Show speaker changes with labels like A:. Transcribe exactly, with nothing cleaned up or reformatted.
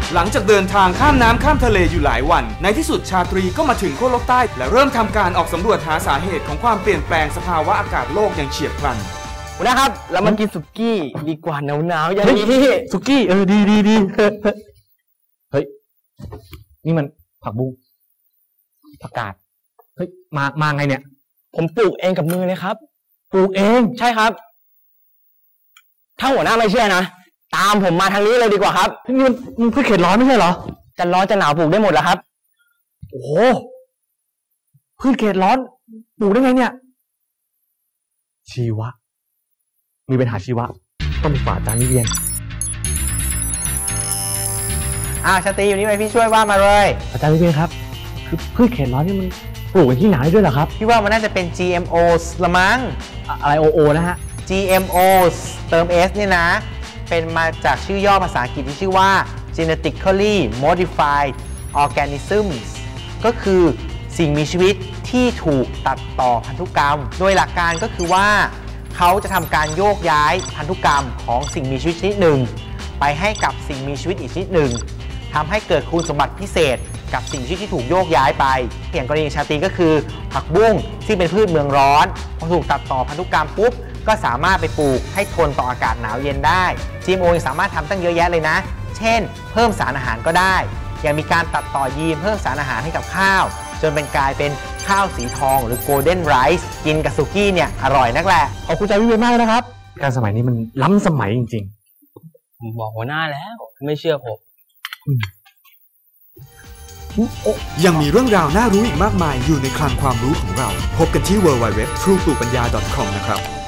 A: หลังจากเดินทางข้ามน้ำข้ามทะเลอยู่หลายวันในที่สุดชาตรีก็มาถึงขั้วโลกใต้และเริ่มทำการออกสำรวจหาสาเหตุของความเปลี่ยนแปลงสภาวะอากาศโลกอย่างเฉียบพลัน
B: นะครับเรามากินสุกี้ดีกว่าหนาวๆอย่างนี้สุกี้เออดีดีดีเฮ้ยนี่มันผักบุ้งผักกาดเฮ้ยมามาไงเนี่ยผมปลูกเองกับมือเลยครับปลูกเองใช่ครับถ้าหัวหน้าไม่เชื่อนะตามผมมาทางนี้เลยดีกว่าครับนี่มันมันพืชเขตร้อนไม่ใช่เหรอจะร้อนจะหนาวปลูกได้หมดแล้วครับโอ้โหพืชเขตร้อนปลูกได้ไงเนี่ยชีวะมีปัญหาชีวะต้องมีฝาจานนิเวียน
C: อ่าชาตรีอยู่นี่ไหมพี่ช่วยว่ามาเลย
B: อาจารย์นิเวียนครับคือพืชเขตร้อนนี่มันปลูกที่ไหนด้วยเหรอครับ
C: พี่ว่ามันน่าจะเป็น จี เอ็ม โอ ละมั้ง
B: อะไร โอ โอ นะฮะ
C: จี เอ็ม โอ เติม S เนี่ยนะเป็นมาจากชื่อย่อภาษาอังกฤษที่ชื่อว่า genetically modified organisms ก็คือสิ่งมีชีวิตที่ถูกตัดต่อพันธุกรรมโดยหลักการก็คือว่าเขาจะทำการโยกย้ายพันธุกรรมของสิ่งมีชีวิตชนิดหนึ่งไปให้กับสิ่งมีชีวิตอีกชนิดหนึ่งทำให้เกิดคุณสมบัติพิเศษกับสิ่งมีชีวิตที่ถูกโยกย้ายไปอย่างกรณีชาตรีก็คือผักบุ้งที่เป็นพืชเมืองร้อนพอถูกตัดต่อพันธุกรรมปุ๊บก็สามารถไปปลูกให้ทนต่ออากาศหนาวเย็นได้ จี เอ็ม โอ ยังสามารถทำตั้งเยอะแยะเลยนะเช่นเพิ่มสารอาหารก็ได้ยังมีการตัดต่อยีนเพิ่มสารอาหารให้กับข้าวจนเป็นกลายเป็นข้าวสีทองหรือ golden rice กินกับสุกี้เนี่ยอร่อยนักแหละ
B: ขอบคุณใจวิเวกมากนะครับการสมัยนี้มันล้ำสมัยจริง
D: ๆผมบอกหัวหน้าแล้วไม่เชื่อผม
A: ยังมีเรื่องราวน่ารู้อีกมากมายอยู่ในคลังความรู้ของเราพบกันที่ ดับเบิลยู ดับเบิลยู ดับเบิลยู ดอท ทรู ปลูกปัญญา ดอท คอม นะครับ